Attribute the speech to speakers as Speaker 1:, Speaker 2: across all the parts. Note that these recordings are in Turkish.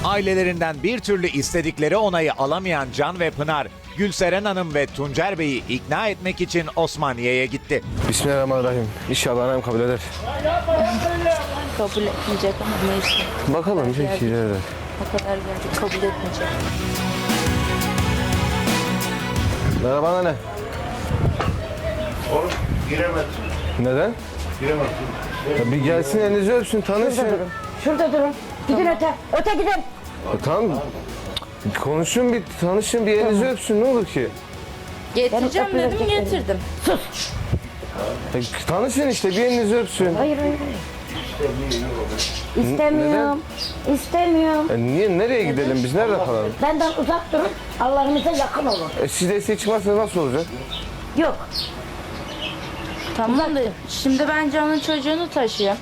Speaker 1: Ailelerinden bir türlü istedikleri onayı alamayan Can ve Pınar, Gülseren Hanım ve Tuncer Bey'i ikna etmek için Osmaniye'ye gitti.
Speaker 2: Bismillahirrahmanirrahim. İnşallah annem kabul eder.
Speaker 3: Kabul etmeyecek ama neyse.
Speaker 2: Bakalım peki ileride.
Speaker 3: O kadar geldik kabul etmeyecek.
Speaker 2: Merhaba anne.
Speaker 4: Oğlum giremezsin.
Speaker 2: Neden?
Speaker 4: Giremezsin.
Speaker 2: Ya bir gelsin elinizi öpsün tanışın.
Speaker 5: Şurada durun. Gidin öte. Öte gidin.
Speaker 2: Tamam. Konuşun bir tanışın bir elinizi öpsün ne olur ki?
Speaker 3: Getireceğim
Speaker 5: Benim
Speaker 3: dedim
Speaker 5: öpülecek
Speaker 3: getirdim.
Speaker 2: Ya tanışın işte bir elinizi öpsün.
Speaker 5: Hayır. İstemiyorum. İstemiyorum.
Speaker 2: Niye nereye gidelim biz nerede kalalım?
Speaker 5: Benden uzak durun. Allah'ınıza yakın olun.
Speaker 2: Siz desteği çıkmazsa nasıl olacak?
Speaker 5: Yok.
Speaker 3: Tamam da şimdi ben Can'ın çocuğunu taşıyayım.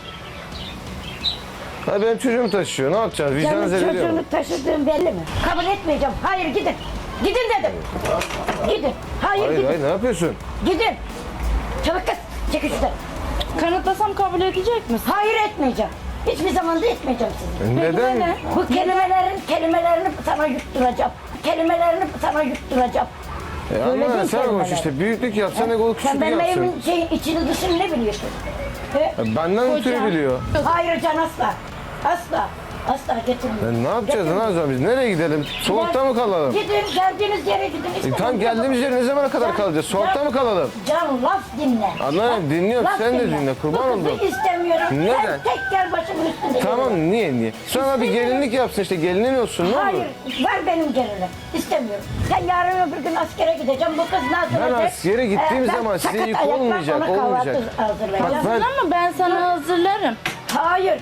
Speaker 2: Ha benim çocuğum taşıyor ne yapacağız?
Speaker 5: Senin
Speaker 2: Vicdanınız ediyor mu?
Speaker 5: çocuğunu taşıdığın belli mi? Kabul etmeyeceğim. Hayır gidin. Gidin dedim. Gidin. Hayır,
Speaker 2: Hayır
Speaker 5: gidin.
Speaker 2: hayır ne yapıyorsun?
Speaker 5: Gidin. Çabuk kız. Çekil şuradan.
Speaker 3: Kanıtlasam kabul edecek misin?
Speaker 5: Hayır etmeyeceğim. Hiçbir zaman da etmeyeceğim sizi.
Speaker 2: Neden?
Speaker 5: Bu kelimelerini sana yutturacağım. Kelimelerini sana yutturacağım. Öyle
Speaker 2: Ama
Speaker 5: değil
Speaker 2: sen konuş
Speaker 5: kelimeler.
Speaker 2: işte büyüklük yapsan egolu
Speaker 5: Sen
Speaker 2: küçüklük
Speaker 5: benim
Speaker 2: yapsın.
Speaker 5: evimin içini dışını ne biliyorsun? He?
Speaker 2: Benden ötürü biliyor.
Speaker 5: Hayır Can asla. Asla. Asla getirmiyorum.
Speaker 2: Ne yapacağız ne yapacağız biz? Nereye gidelim? Soğukta mı kalalım?
Speaker 5: Gidin geldiğiniz yere gidin.
Speaker 2: Tam geldiğimiz yere ne zamana kadar kalacağız? Soğukta mı kalalım?
Speaker 5: Can laf dinle.
Speaker 2: Anlarım dinliyorum
Speaker 5: Laf
Speaker 2: sen de dinle kurban
Speaker 5: Bu kızı
Speaker 2: oldum.
Speaker 5: istemiyorum.
Speaker 2: Neden?
Speaker 5: Sen tek gel başımın üstünde.
Speaker 2: Tamam
Speaker 5: yürü.
Speaker 2: niye? Sonra bir gelinlik yapsın işte gelinin olsun ne olur?
Speaker 5: Hayır, ver benim gelinim. İstemiyorum. Sen yarın öbür gün askere gideceğim. Bu kız ne yapacak?
Speaker 2: Ben askere gittiğim zaman size
Speaker 5: sakat
Speaker 2: yük
Speaker 5: ayakla
Speaker 2: olmayacak,
Speaker 5: ona kahvaltı
Speaker 2: olmayacak.
Speaker 5: hazırlayacağım.
Speaker 2: Bak
Speaker 3: Ama ben sana hazırlarım.
Speaker 5: Hayır.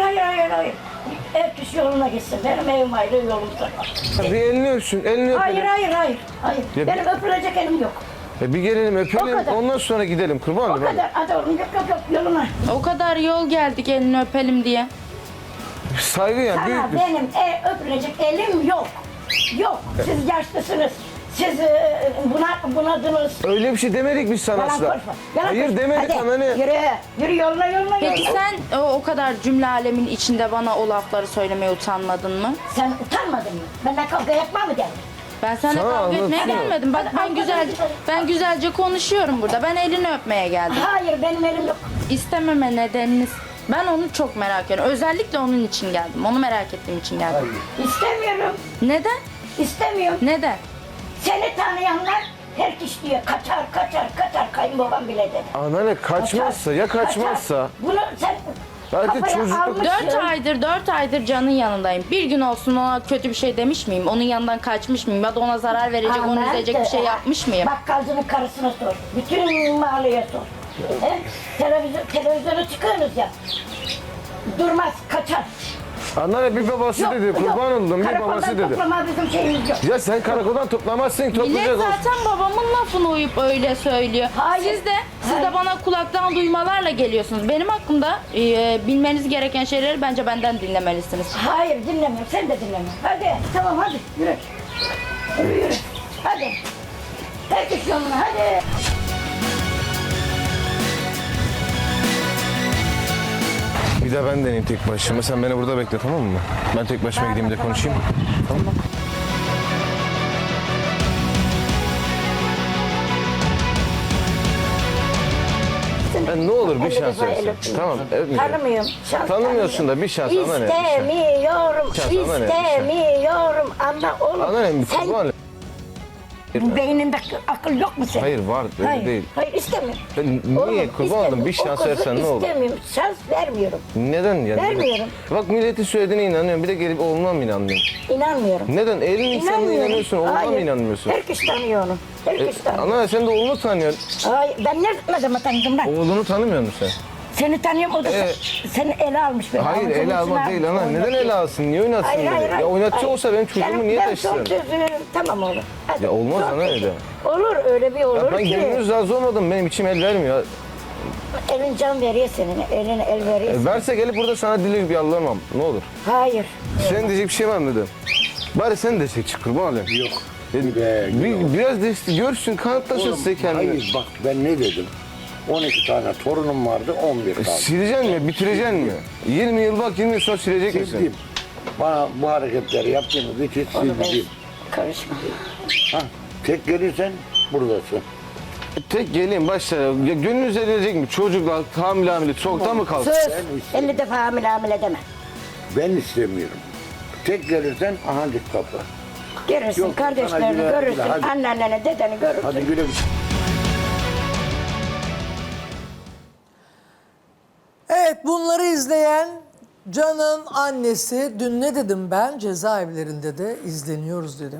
Speaker 5: Ev kişi yoluna gitsin. Benim evim ayrı, yolum sana.
Speaker 2: bir elini öpsün, elini öpelim.
Speaker 5: Hayır.
Speaker 2: Ya
Speaker 5: Benim öpülecek elim yok.
Speaker 2: Bir gelelim
Speaker 5: O
Speaker 2: öpelim
Speaker 5: kadar.
Speaker 2: ondan sonra gidelim kurban
Speaker 5: O
Speaker 2: olayım.
Speaker 5: kadar. Hadi oğlum yok yoluna.
Speaker 3: O kadar yol geldik elini öpelim diye.
Speaker 2: Saygı ya
Speaker 5: Sana
Speaker 2: büyük bir...
Speaker 5: benim öpülecek elim yok. Yok. Siz yaşlısınız. Siz bunadınız.
Speaker 2: Öyle bir şey demedik biz sana
Speaker 5: Yalan
Speaker 2: asla.
Speaker 5: konuşma. Yalan
Speaker 2: Hayır
Speaker 5: konuşma.
Speaker 2: demedik
Speaker 5: Hadi,
Speaker 2: ama ne?
Speaker 5: Yürü yoluna.
Speaker 3: Peki sen o kadar cümle alemin içinde bana o lafları söylemeye utanmadın mı?
Speaker 5: Sen utanmadın mı? Benden kavga yapma mı geldin?
Speaker 3: Ben seninle
Speaker 2: Sana
Speaker 3: kavga etmeye
Speaker 2: anlatıyorum.
Speaker 3: gelmedim. Bak ben güzelce konuşuyorum burada. Ben elini öpmeye geldim.
Speaker 5: Hayır benim elim yok.
Speaker 3: İstememe nedeniniz. Ben onu çok merak ediyorum. Özellikle onun için geldim. Onu merak ettiğim için geldim.
Speaker 5: İstemiyorum.
Speaker 3: Neden?
Speaker 5: İstemiyorum.
Speaker 3: Neden?
Speaker 5: Seni tanıyanlar her kişi diyor kaçar kayınbabam bile dedi.
Speaker 2: Anneanne kaçmazsa ya kaçmazsa.
Speaker 5: Kaçar. Bunu sen
Speaker 2: Belki
Speaker 5: kafaya
Speaker 2: çocukluk-
Speaker 5: almışsın.
Speaker 3: 4 aydır Can'ın yanındayım. Bir gün olsun ona kötü bir şey demiş miyim? Onun yanından kaçmış mıyım? Ya da ona zarar verecek, onu
Speaker 5: Aman
Speaker 3: üzecek bir şey
Speaker 5: de-
Speaker 3: yapmış mıyım?
Speaker 5: Bakkalcının karısına sor. Bütün mahalleye sor. He? Televizyona çıkıyorsunuz ya. Durmaz, kaçar.
Speaker 2: Anneanne bir babası dedi kurban oldum bir
Speaker 5: Karakoldan
Speaker 2: babası dedi.
Speaker 5: toplama bizim şeyimiz yok.
Speaker 2: Ya sen karakoldan toplamazsın
Speaker 3: Millet
Speaker 2: toplayacak olsun.
Speaker 3: zaten babamın lafını uyup öyle söylüyor.
Speaker 5: Hayır.
Speaker 3: Siz de
Speaker 5: Hayır.
Speaker 3: bana kulaktan duymalarla geliyorsunuz. Benim hakkımda bilmeniz gereken şeyleri bence benden dinlemelisiniz.
Speaker 5: Hayır dinlemiyorum, sen de dinlemiyorsun. Hadi, tamam hadi yürü. Yürü. Hadi. Herkes yoluna hadi.
Speaker 2: Bir de ben deneyeyim tek başıma. Sen beni burada bekle tamam mı? Ben tek başıma gideyim de konuşayım. Tamam mı? Ne olur bir şans versin. Tamam, öpmeyeceğim.
Speaker 5: Tanımıyorum. Şans
Speaker 2: Tanımıyorsun da bir şans anneanne. bir şans.
Speaker 5: İstemiyorum.
Speaker 2: Şans, anneanne, bir şans.
Speaker 5: İstemiyorum. Ama oğlum
Speaker 2: Anneanne bir
Speaker 5: sen
Speaker 2: kurban.
Speaker 5: bu beyninde akıl yok mu senin?
Speaker 2: Hayır var öyle
Speaker 5: Hayır,
Speaker 2: değil.
Speaker 5: hayır istemiyorum.
Speaker 2: Ben niye
Speaker 5: Oğlum,
Speaker 2: kurban oldum bir
Speaker 5: istemiyorum.
Speaker 2: şans
Speaker 5: O kızı
Speaker 2: versen ne olur?
Speaker 5: İstemiyorum. Şans vermiyorum.
Speaker 2: Neden ya?
Speaker 5: Vermiyorum.
Speaker 2: Bak milleti söylediğine inanıyorum bir de gelip oğluna mı inanmıyorsun?
Speaker 5: İnanmıyorum.
Speaker 2: Neden? Elin insanına
Speaker 5: İnanmıyorum.
Speaker 2: inanıyorsun oğluna mı
Speaker 5: Hayır.
Speaker 2: inanmıyorsun?
Speaker 5: Herkes tanıyor onu. Herkes tanıyor.
Speaker 2: Anneanne sen de oğlunu tanıyorsun.
Speaker 5: Hayır, ben ne zaman tanıdım ben?
Speaker 2: Oğlunu tanımıyor musun sen?
Speaker 5: Seni tanıyorum, o da seni ele almış beni.
Speaker 2: Hayır
Speaker 5: Avucunun
Speaker 2: ele almak
Speaker 5: içine
Speaker 2: değil
Speaker 5: almış,
Speaker 2: ana. Neden
Speaker 5: oynatıyor.
Speaker 2: ele alsın? Niye oynatsın
Speaker 5: Hayır,
Speaker 2: beni?
Speaker 5: hayır, hayır.
Speaker 2: Ya oynatacak
Speaker 5: hayır.
Speaker 2: olsa benim çocuğumu niye
Speaker 5: Ben
Speaker 2: taşısın?
Speaker 5: son sözüm. Tamam oğlum. Hadi.
Speaker 2: Ya olmaz
Speaker 5: Son
Speaker 2: ana
Speaker 5: sözüm.
Speaker 2: öyle.
Speaker 5: Olur öyle bir olur
Speaker 2: Ya ben
Speaker 5: ki.
Speaker 2: gönlünüz razı olmadım. Benim içim el vermiyor.
Speaker 5: Elin can veriyor senin. Eline el veriyor.
Speaker 2: Verse gelip burada sana dili bir yalvarmam. Ne olur.
Speaker 5: Hayır.
Speaker 2: Senin diyecek bir şey var mı dedim. Bari sen destek çık kurban olayım.
Speaker 4: Yok.
Speaker 2: Biraz destek görsün kanıtlasın
Speaker 4: Oğlum,
Speaker 2: size kendini.
Speaker 4: hayır bak ben ne dedim? 12 tane torunum vardı 11 kaldı.
Speaker 2: Sileceksin mi? Bitireceksin mi? 20 yıl bak 20 yıl sonra silecek misin?
Speaker 4: Sildim. Bana bu hareketleri yaptığınız için
Speaker 5: Onu ben
Speaker 4: siz
Speaker 5: karışma.
Speaker 4: tek gelirsen buradasın.
Speaker 2: Tek geleyim başlara. Ya gönlünüz edilecek mi? Çocuklar hamile soğukta mı kalsın?
Speaker 5: Söz. 50 defa hamile deme.
Speaker 4: Ben istemiyorum. Tek gelirsen ahancık kapı.
Speaker 5: Görürsün
Speaker 4: Yok,
Speaker 5: kardeşlerini
Speaker 4: sana güle-
Speaker 5: görürsün.
Speaker 4: güle, hadi.
Speaker 5: Anneanneni dedeni görürsün.
Speaker 4: Hadi güle güle.
Speaker 6: Evet, bunları izleyen Can'ın annesi, dün ne dedim ben? Cezaevlerinde de izleniyoruz dedim.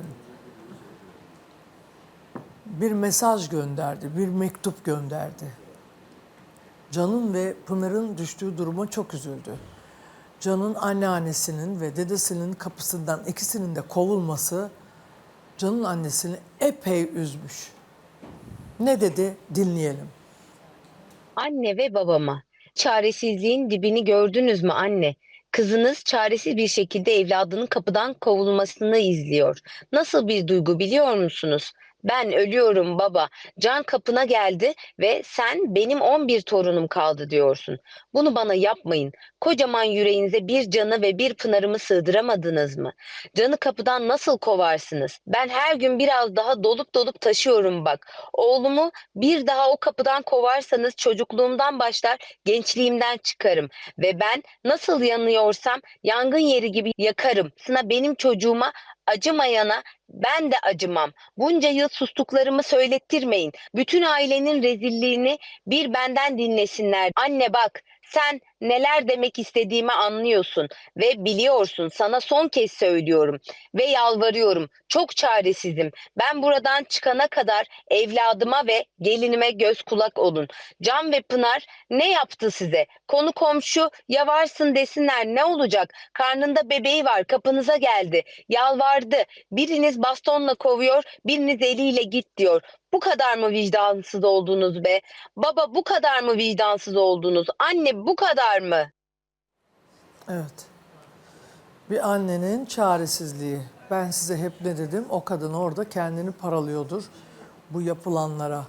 Speaker 6: Bir mesaj gönderdi, bir mektup gönderdi. Can'ın ve Pınar'ın düştüğü duruma çok üzüldü. Can'ın anneannesinin ve dedesinin kapısından ikisinin de kovulması Can'ın annesini epey üzmüş. Ne dedi? Dinleyelim.
Speaker 7: Anne ve babama. Çaresizliğin dibini gördünüz mü anne? Kızınız çaresiz bir şekilde evladının kapıdan kovulmasını izliyor. Nasıl bir duygu biliyor musunuz? Ben ölüyorum baba. Can kapına geldi ve sen benim 11 torunum kaldı diyorsun. Bunu bana yapmayın. Kocaman yüreğinize bir Can'ı ve bir Pınar'ımı sığdıramadınız mı? Can'ı kapıdan nasıl kovarsınız? Ben her gün biraz daha dolup taşıyorum bak. Oğlumu bir daha o kapıdan kovarsanız çocukluğumdan başlar, gençliğimden çıkarım. Ve ben nasıl yanıyorsam yangın yeri gibi yakarım. Sına benim çocuğuma acımayana ben de acımam. Bunca yıl sustuklarımı söylettirmeyin. Bütün ailenin rezilliğini bir benden dinlesinler. Anne bak, sen neler demek istediğimi anlıyorsun ve biliyorsun. Sana son kez söylüyorum ve yalvarıyorum. Çok çaresizim. Ben buradan çıkana kadar evladıma ve gelinime göz kulak olun. Can ve Pınar ne yaptı size? Konu komşu ya varsın desinler ne olacak? Karnında bebeği var, kapınıza geldi. Yalvardı. Biriniz bastonla kovuyor, biriniz eliyle git diyor. Bu kadar mı vicdansız oldunuz be? Baba bu kadar mı vicdansız oldunuz? Anne bu kadar mı?
Speaker 6: Evet. Bir annenin çaresizliği. Ben size hep ne dedim? O kadın orada kendini paralıyordur bu yapılanlara.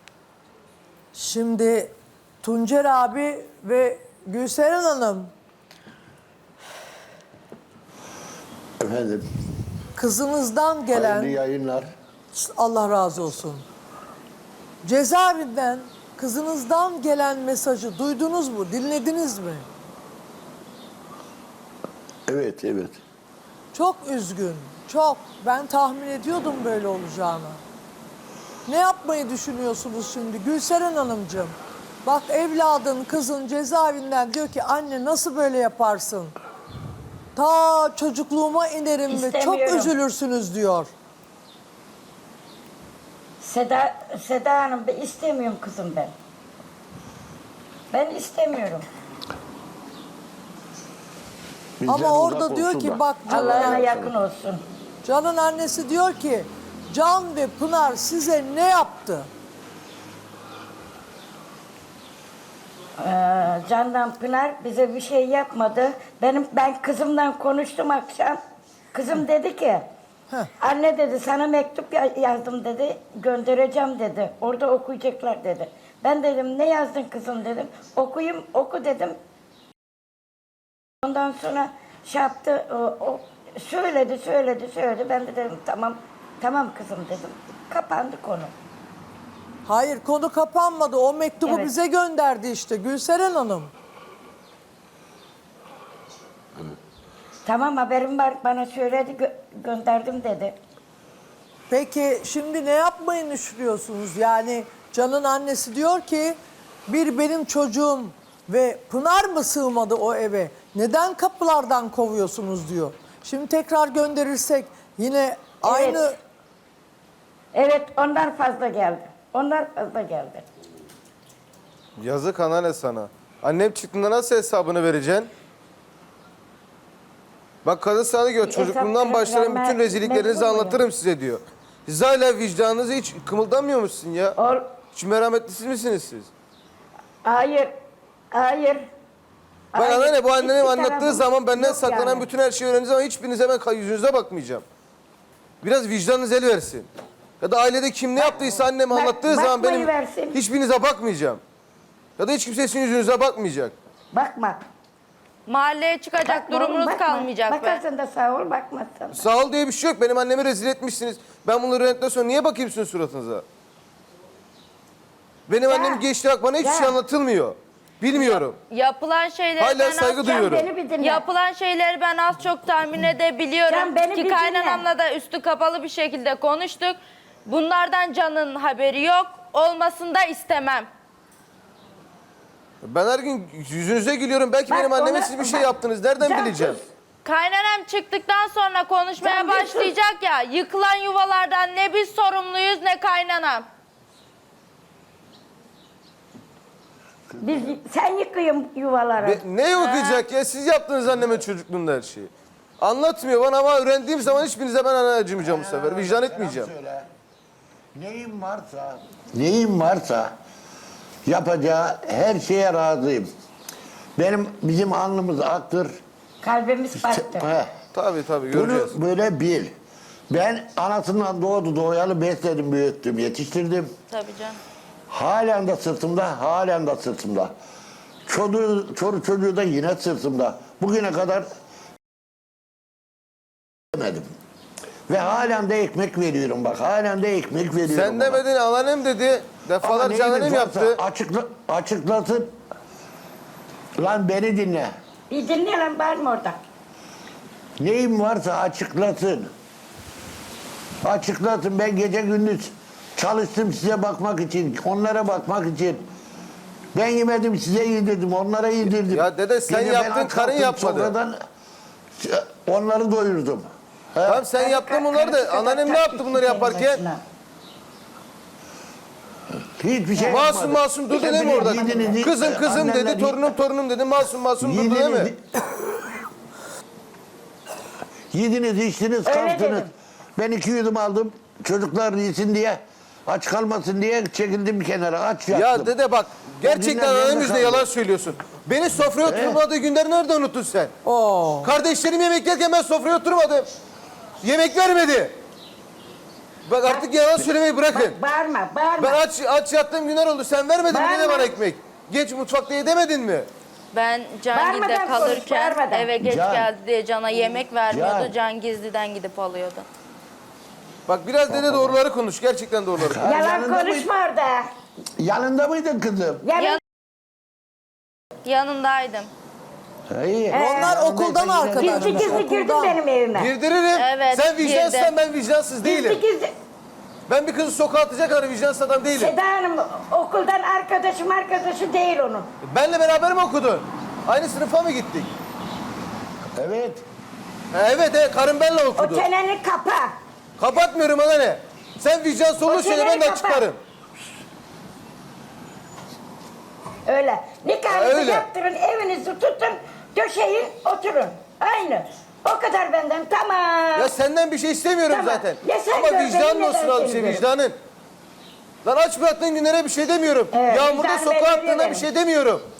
Speaker 6: Şimdi Tuncer abi ve Gülseren Hanım,
Speaker 4: Efendim,
Speaker 6: kızınızdan gelen,
Speaker 4: hayırlı yayınlar.
Speaker 6: Allah razı olsun, cezaevinden kızınızdan gelen mesajı duydunuz mu, dinlediniz mi?
Speaker 4: Evet, evet.
Speaker 6: Çok üzgün, çok. Ben tahmin ediyordum böyle olacağını. Ne yapmayı düşünüyorsunuz şimdi Gülseren Hanımcığım? Bak evladın, kızın cezaevinden diyor ki anne nasıl böyle yaparsın? Ta çocukluğuma inerim ve çok
Speaker 5: İstemiyorum.
Speaker 6: üzülürsünüz diyor.
Speaker 5: Seda Hanım ben istemiyorum kızım ben. Ben istemiyorum.
Speaker 4: Bizden
Speaker 6: Ama orada
Speaker 4: uzak
Speaker 6: diyor
Speaker 4: olsun
Speaker 6: ki
Speaker 4: da.
Speaker 6: bak
Speaker 5: Allah'ına yakın olsun.
Speaker 6: Can'ın annesi diyor ki Can ve Pınar size ne yaptı?
Speaker 5: Candan Pınar bize bir şey yapmadı. Ben kızımla konuştum akşam. Kızım dedi ki anne dedi sana mektup yazdım dedi. Göndereceğim dedi. Orada okuyacaklar dedi. Ben dedim ne yazdın kızım dedim. Oku dedim. Ondan sonra şey yaptı. O söyledi. Ben de dedim tamam kızım dedim. Kapandı konu.
Speaker 6: Hayır konu kapanmadı. O mektubu
Speaker 5: Evet.
Speaker 6: bize gönderdi işte Gülseren Hanım.
Speaker 5: Tamam haberim var bana söyledi gönderdim dedi.
Speaker 6: Peki şimdi ne yapmayı düşünüyorsunuz? Yani Can'ın annesi diyor ki bir benim çocuğum ve Pınar mı sığmadı o eve? Neden kapılardan kovuyorsunuz diyor. Şimdi tekrar gönderirsek yine aynı...
Speaker 5: Evet onlar fazla geldi.
Speaker 2: Yazık anneanne sana. Annem çıktığında nasıl hesabını vereceksin? Bak kadın sana diyor çocukluğumdan başlayan bütün rezilliklerinizi anlatırım size diyor. Siz hala vicdanınızı hiç kımıldamıyor musun ya? Hiç merhametlisiz misiniz siz?
Speaker 5: Hayır.
Speaker 2: Bak anneanne bu annenin
Speaker 5: Hiçbir
Speaker 2: anlattığı
Speaker 5: tarafım
Speaker 2: zaman benden
Speaker 5: yok
Speaker 2: saklanan
Speaker 5: yani.
Speaker 2: bütün her şeyi öğrendiğiniz zaman hiçbirinize ben yüzünüze bakmayacağım. Biraz vicdanınız el versin. Ya da ailede kim ne yaptıysa annem anlattığı zaman benim
Speaker 5: versin.
Speaker 2: hiçbirinize bakmayacağım. Ya da hiç kimse sizin yüzünüze bakmayacak.
Speaker 5: Bakma.
Speaker 3: Mahalleye çıkacak
Speaker 5: Bakma oğlum,
Speaker 3: durumunuz
Speaker 5: bakma.
Speaker 3: kalmayacak be.
Speaker 5: Bakarsan da sağ ol, bakmazsan da.
Speaker 2: Sağ ol diye bir şey yok. Benim annemi rezil etmişsiniz. Ben bunları öğrendikten sonra niye bakayım sizin suratınıza? Benim
Speaker 5: Ya,
Speaker 2: annem geçti bak bana hiçbir
Speaker 5: ya.
Speaker 2: şey anlatılmıyor. Bilmiyorum.
Speaker 3: Yapılan şeyleri
Speaker 2: Hala
Speaker 3: ben
Speaker 2: saygı
Speaker 3: az
Speaker 2: duyuyorum.
Speaker 5: Beni bir dinle.
Speaker 3: Yapılan şeyleri ben az çok tahmin edebiliyorum.
Speaker 5: Can, beni
Speaker 3: Ki
Speaker 5: bir
Speaker 3: kaynanamla da üstü kapalı bir şekilde konuştuk. Bunlardan Can'ın haberi yok. Olmasını da istemem.
Speaker 2: Ben her gün yüzünüze gülüyorum. Belki
Speaker 5: Bak
Speaker 2: benim anneme
Speaker 5: ona-
Speaker 2: siz bir şey
Speaker 5: bak,
Speaker 2: yaptınız. Nereden
Speaker 5: Can,
Speaker 2: bileceğim?
Speaker 5: sus.
Speaker 3: Kaynanam çıktıktan sonra konuşmaya
Speaker 5: Can, bir sus.
Speaker 3: başlayacak ya. Yıkılan yuvalardan ne biz sorumluyuz ne kaynanam.
Speaker 5: Sen yıkıyorsun yuvaları.
Speaker 2: Ne okuyacak ya? Siz yaptınız anneme çocukluğunda her şeyi. Anlatmıyor bana ama öğrendiğim zaman hiçbirinize ben acımayacağım bu sefer. Vicdan etmeyeceğim.
Speaker 4: Söyle. Neyim varsa yapacağı her şeye razıyım. Bizim alnımız aktır.
Speaker 5: Kalbimiz battı.
Speaker 4: Heh.
Speaker 2: Tabii göreceğiz.
Speaker 4: Bunu böyle bil. Ben anasından doğayalı besledim, büyüttüm, yetiştirdim.
Speaker 3: Tabii canım.
Speaker 4: Halen de sırtımda. Çocuğu da yine sırtımda. Bugüne kadar demedim. Ve halen de ekmek veriyorum bak. Halen de ekmek veriyorum.
Speaker 2: Sen
Speaker 4: ona.
Speaker 2: demedin, anneannem dedi.
Speaker 4: Ama
Speaker 2: Defalarca
Speaker 4: neyiniz
Speaker 2: anneannem
Speaker 4: varsa
Speaker 2: yaptı.
Speaker 4: açıklasın. Lan beni dinle.
Speaker 5: Bir dinle lan, bağırma orada.
Speaker 4: Neyim varsa açıklasın. Açıklasın. Ben gece gündüz çalıştım size bakmak için, onlara bakmak için. Ben yemedim, size yedirdim, onlara yedirdim.
Speaker 2: Ya dede, sen
Speaker 4: Gece ben
Speaker 2: yaptın,
Speaker 4: aç
Speaker 2: karın
Speaker 4: kalktım,
Speaker 2: yapmadı.
Speaker 4: sofradan onları doyurdum. He?
Speaker 2: Tamam sen yaptın bunları da. Anneannem ne yaptı bunları yaparken?
Speaker 4: Hiçbir şey
Speaker 2: Masum
Speaker 4: yapmadı.
Speaker 2: durdu değil mi orada?
Speaker 4: Yediniz,
Speaker 2: Kızım dedi,
Speaker 4: annenler-
Speaker 2: torunum dedi. Masum durdu değil mi?
Speaker 4: Yediniz, içtiniz,
Speaker 5: Öyle
Speaker 4: kalktınız.
Speaker 5: dedim.
Speaker 4: Ben 2 yudum aldım. Çocuklar yesin diye, aç kalmasın diye çekildim bir kenara. Aç yattım.
Speaker 2: Ya dede bak, gerçekten
Speaker 4: günler
Speaker 2: anneannem
Speaker 4: nerede
Speaker 2: yüzünden
Speaker 4: kaldı?
Speaker 2: yalan söylüyorsun. Beni sofraya oturmadığı günleri nerede unuttun sen?
Speaker 6: Oo.
Speaker 2: Kardeşlerim yemek yerken ben sofraya oturmadım. Yemek vermedi. Bak artık yalan söylemeyi bırakın.
Speaker 5: Bağırma.
Speaker 2: Ben aç yattığım günler oldu. Sen vermedin mi
Speaker 5: Bağırma.
Speaker 2: dede bana ekmek? Geç mutfakta yedemedin mi?
Speaker 3: Ben Can
Speaker 5: Bağırmadan
Speaker 3: gide
Speaker 5: konuş,
Speaker 3: kalırken
Speaker 5: bağırmadan.
Speaker 3: eve geç
Speaker 4: Can.
Speaker 3: geldi diye Can'a yemek vermiyordu.
Speaker 4: Can.
Speaker 3: Can gizliden gidip alıyordu.
Speaker 2: Bak biraz dede doğruları konuş. Gerçekten doğruları konuş.
Speaker 4: Ha,
Speaker 5: Yalan
Speaker 4: yanında
Speaker 5: konuşma orada.
Speaker 4: Yanında mıydın kızım?
Speaker 5: Yalan.
Speaker 3: Yanındaydım.
Speaker 4: İyi.
Speaker 6: Onlar okuldan arkadaşlar.
Speaker 5: Gizli gizli girdin
Speaker 6: Okuldan.
Speaker 5: benim evime.
Speaker 2: Girdiririm.
Speaker 3: Evet,
Speaker 2: Sen vicdansızsan
Speaker 3: girdim.
Speaker 2: ben vicdansız değilim.
Speaker 5: Gizli gizli.
Speaker 2: Ben bir kızı sokağa atacak kadar vicdansız adam değilim.
Speaker 5: Seda Hanım okuldan arkadaşı değil onun.
Speaker 2: Benle beraber mi okudun? Aynı sınıfa mı gittik?
Speaker 4: Evet.
Speaker 2: Evet, karım benle
Speaker 5: O
Speaker 2: okudu.
Speaker 5: çeneni kapa.
Speaker 2: Kapatmıyorum ana ne? Sen vicdansız olduğun
Speaker 5: O
Speaker 2: söyle ben
Speaker 5: çeneni
Speaker 2: de
Speaker 5: kapat.
Speaker 2: çıkarım.
Speaker 5: Öyle. Nikahınızı
Speaker 2: Öyle.
Speaker 5: yaptırın, evinizi tutun, döşeyin, oturun. Aynı. O kadar benden, tamam.
Speaker 2: Ya senden bir şey istemiyorum
Speaker 5: Tamam.
Speaker 2: zaten.
Speaker 5: Ya sen
Speaker 2: Ama
Speaker 5: gör,
Speaker 2: vicdanın
Speaker 5: benim
Speaker 2: olsun
Speaker 5: neden
Speaker 2: az bir şey,
Speaker 5: seni
Speaker 2: vicdanın. Lan aç bıraktığın günlere bir şey demiyorum.
Speaker 5: Evet,
Speaker 2: Yağmurda
Speaker 5: vicdanı
Speaker 2: sokağa
Speaker 5: belli
Speaker 2: attığında
Speaker 5: benim.
Speaker 2: bir şey demiyorum.